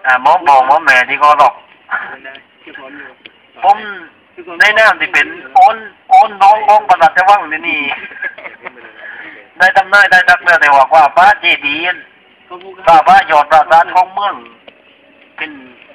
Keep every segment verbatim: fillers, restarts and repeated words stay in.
อ่าหมอบอกหมอแม่ที่ก็หรอกผมในแนวที่เป็นโอนโอนน้องน้องประหลัดจะว่างที่นี่ได้ทำนายได้ทักเมื่อแต่ว่าว่าพระเจดีย์พระพระยอดพระสานของเมืองเป็น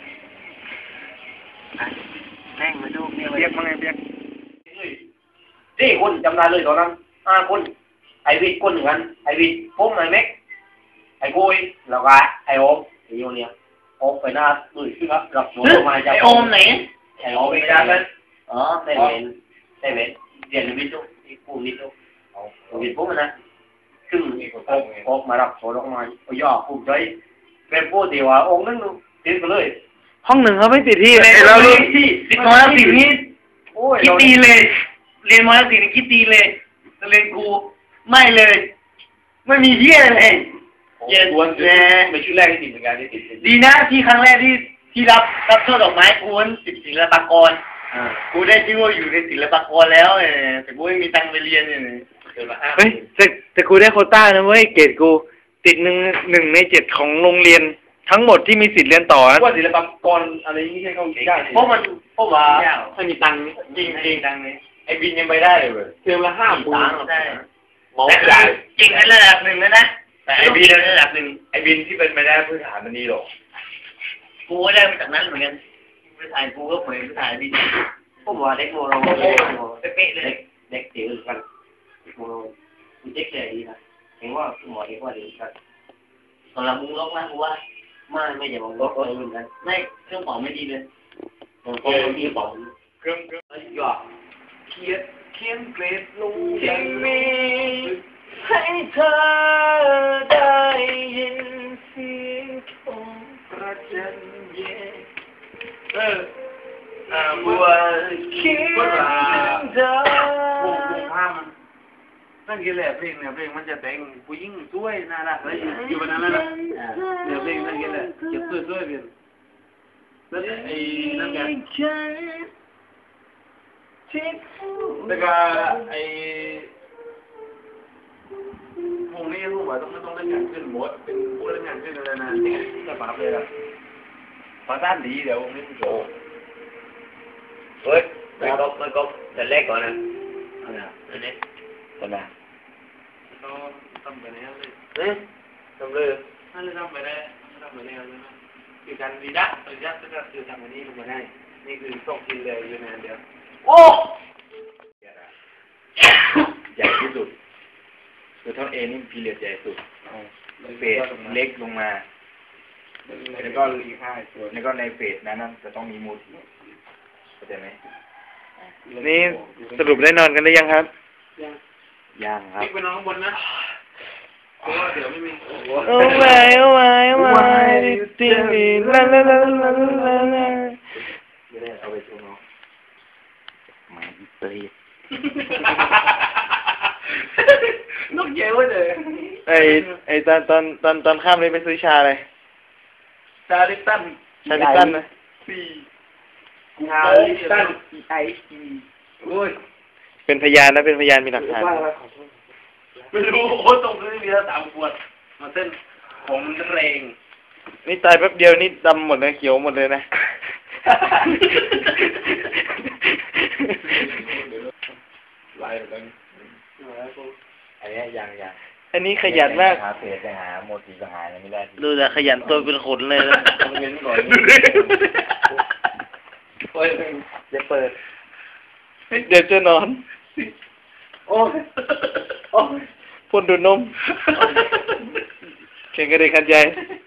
แม่งมาดูเบียกเบียกมาไงเบียกนี่คนจำได้เลยตอนนั้นห้าคนไอวิทย์คนหนึ่งอันไอวิทย์ผมไอเม็กไอกุยแล้วก็ไอโอมไอโยเนี่ยโอมไปหน้าด้วยขึ้นครับรับหนูมาจากไอโอมไหนไอโอมไปด้านนั้นอ๋อได้เวนได้เวนเรียนวิทย์ทุกผู้วิทย์ทุกเอาวิทย์ผมนะซึ่งโอมโอมมารับโซ่ลงมาย่อผู้ใจเป็นผู้ที่ว่าองค์นั้นติดไปเลยห้องหนึ่งเขาไม่ติดที่เลยเราเรียนที่ติดมอแล้วติดนี่คิดดีเลยเรียนมอแล้วติดนี่คิดดีเลยเรียนกูไม่เลยไม่มีเยี่ยเลยเย็นแน่ไม่ชื่อแรกที่ติดเหมือนกันที่ติดดีนะที่ครั้งแรกที่ที่รับรับช่อดอกไม้กูนติดศิลปากรกูได้ชื่อว่าอยู่ในศิลปากรแล้วแต่กูไม่มีตังค์ไปเรียนเนี่ยเฮ้ยแต่แต่กูได้โควต้านะเว้ยเกรดกูติดหนึ่งหนึ่งในเจ็ดของโรงเรียนทั้งหมดที่มีสิทธิ์เรียนต่อนะว่าศิลปากรอะไรนี่ให้เขาได้เพราะมันเพราะว่าไม่มีตังค์จริงจริงตังค์เลยไอ้บินยังไปได้เลยเทอมละห้าหมื่นได้แต่จริงในระดับหนึ่งแล้วนะแต่ไอ้บินระดับหนึ่งไอ้บินที่เป็นไปได้พื้นฐานมันดีหรอกกูก็ได้มาจากนั้นเหมือนกันพื้นฐานกูก็เหมือนพื้นฐานบินพวกว่าเด็กโมโรเป๊ะเลยเด็กเตี๋ยวกันโมโรมันเจ๊กเลยดีนะเห็นว่าหมอเด็กว่าดีกันตอนเรามุ้งล็อกนะกูว่าไม่ไม่อย่ามองล็อกเลยเหมือนกันไม่เครื่องเป่าไม่ดีเลยเครื่องมีเป่าเครื่องเครื่องหยอดเขียนเขียนเกรดลงที่มีให้เธอได้ยินเสียงของประจันเย่เอออ่าบัวเขียนเธอวงวงผ้ามันนั่นคือแหละเพลงเนี่ยเพลงมันจะแต่งผู้หญิงสวยน่ารักอะไรอยู่บนนั้นนะเนี่ยเพลงนั่นคือแหละเก็บสวยๆเป็นแล้วไอ้นั่นไงแล้วก็ไอ้วงนี้รู้ว่าต้องไม่ต้องเล่นงานขึ้นหมดเป็นผู้เล่นงานขึ้นอะไรนะแต่ปาเลยล่ะปาด้านดีเดี๋ยววงนี้ผู้โจเฮ้ยไม่ก็ไม่ก็แต่แรกก่อนนะอะไรอันนี้ทำไมก็ทำไปแล้วเลยเอ๊ะทำเลยนั่นเลยทำไปได้ทำไปแล้วเลยคือการดีดักดีดักก็คือทำอันนี้ลงมาได้นี่คือส่งกินเลยอยู่ในอันเดียวโอ้ใหญ่ที่สุดคือท่อนเอนี่พีเรียดใหญ่สุดเฟสเล็กลงมาแล้วก็อีกห้าส่วนแล้วก็ในเฟสนั้นจะต้องมีมูดเข้าใจไหมนี่สรุปได้นอนกันได้ยังครับยังยังครับไปนอนข้างบนนะเพราะว่าเดี๋ยวไม่มีโอ้ไม่โอ้ไม่โอ้ไม่ตีมีลาลาลาลาลาลาไม่ได้เอาไปโชว์น้องมาอีเตยนกเย้ยเลยไอไอตอนตอนตอนตอนข้ามเลยไปซื้อชาเลยชาลิตันชาลิตันนะสี่ชาลิตันไอซีโอ้ยเป็นพยานนะเป็นพยานมีหลักฐานไม่รู้โอ้ตรงนี้มีแล้วสามขวดมาเส้นผมแรงนี่ตายแป๊บเดียวนี่ดำหมดเลยเขียวหมดเลยนะลายแบบนี้อันนี้ยังยังอันนี้ขยันมากหาเพจไปหาโมทีไปหาอะไรไม่ได้ดูแต่ขยันตัวเป็นขนเลยนะเงินก่อนเปิดจะเปิดเดี๋ยวจะนอนโอ้โอ้พ่นดูนมเข่งกระเด็นขันใจ